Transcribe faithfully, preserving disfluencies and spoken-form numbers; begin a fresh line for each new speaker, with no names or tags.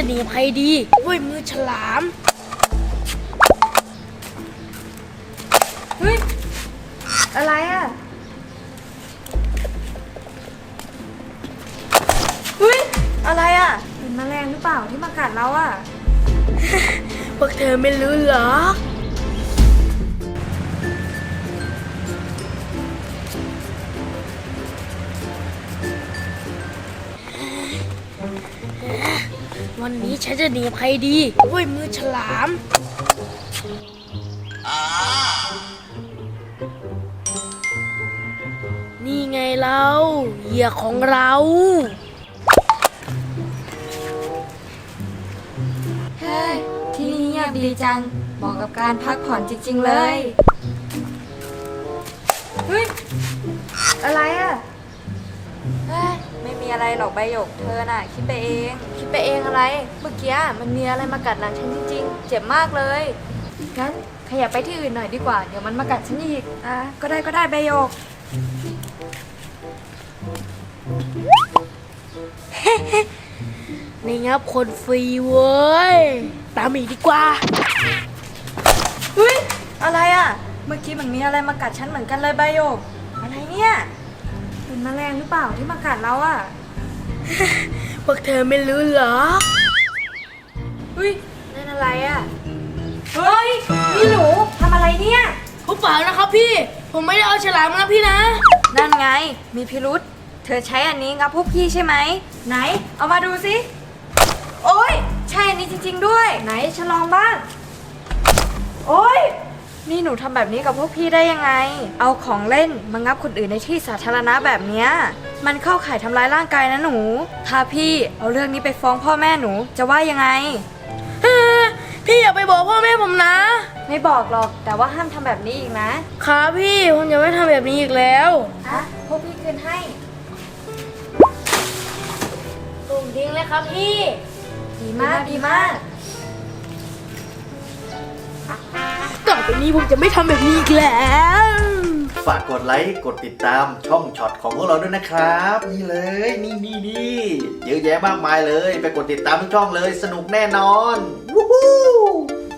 จะหนีภัยดีด้วยมือฉลาม
เฮ้ยอะไรอ่ะเฮ้ยอะไรอ่ะเป็นแมลงหรือเปล่าที่มากัดเราอ่ะ
พวกเธอไม่รู้หรอวันนี้ฉันจะหนีภัยดีด้วยมือฉลามนี่ไงเราเหยื่อของเรา
เฮ้ยที่นี่เงียบดีจังเหมาะกับการพักผ่อนจริงๆเลยเฮ้ยอะไรอ่ะเฮ้ยไม่มีอะไรหรอกใบหยกเธอน่ะคิดไปเองคิดไปเองอะไรเมื่อกี้มันมีอะไรมากัดหลังฉันจริงๆเจ็บมากเลยงั้นขยับไปที่อื่นหน่อยดีกว่าเดี๋ยวมันมากัดฉันอีกอ่ะก็ได้ก็ได้ใบหยก
นี่งับคนฟรีเว้ยตามอีกดีกว่า
เฮ้ยอะไรอ่ะเมื่อกี้มันมีอะไรมากัดฉันเหมือนกันเลยใบหยกอะไรเนี่ยเป็นแมลงหรือเปล่าที่มากัดเราอ่ะ
พวกเธอไม่รู้หรอ
เฮ้ยนั่นอะไรอ่ะเฮ้ยนี่หนูทำอะไรเนี่ย
ผมเปล่านะครับพี่ผมไม่ได้เอาฉลามมานะพี่นะ
นั่นไงมีพิรุษเธอใช้อันนี้งับพวกพี่ใช่ไหมไหนเอามาดูสิโอ๊ยใช่อันนี้จริงๆด้วยไหนฉันลองบ้างโอ๊ยนี่หนูทำแบบนี้กับพวกพี่ได้ยังไงเอาของเล่นมางับคนอื่นในที่สาธารณะแบบเนี้ยมันเข้าข่ายทำร้ายร่างกายนะหนูถ้าพี่เอาเรื่องนี้ไปฟ้องพ่อแม่หนูจะว่ายังไง
พี่อย่าไปบอกพ่อแม่ผมนะ
ไม่บอกหรอกแต่ว่าห้ามทำแบบนี้อีกนะครับ
พี่ผมจะไม่ทำแบบนี้อีกแล้ว
อ่ะพวกพี่คืนให้
ตุ่มทิ้งเลยครับพี่
ดีมากดีมาก
ต่อไปนี้ผมจะไม่ทำแบบนี้อีกแล้ว
ฝากกดไลค์กดติดตามช่องช็อตของพวกเราด้วยนะครับนี่เลยนี่นี่นี่เยอะแยะมากมายเลยไปกดติดตามทุกช่องเลยสนุกแน่นอนวู้ฮู้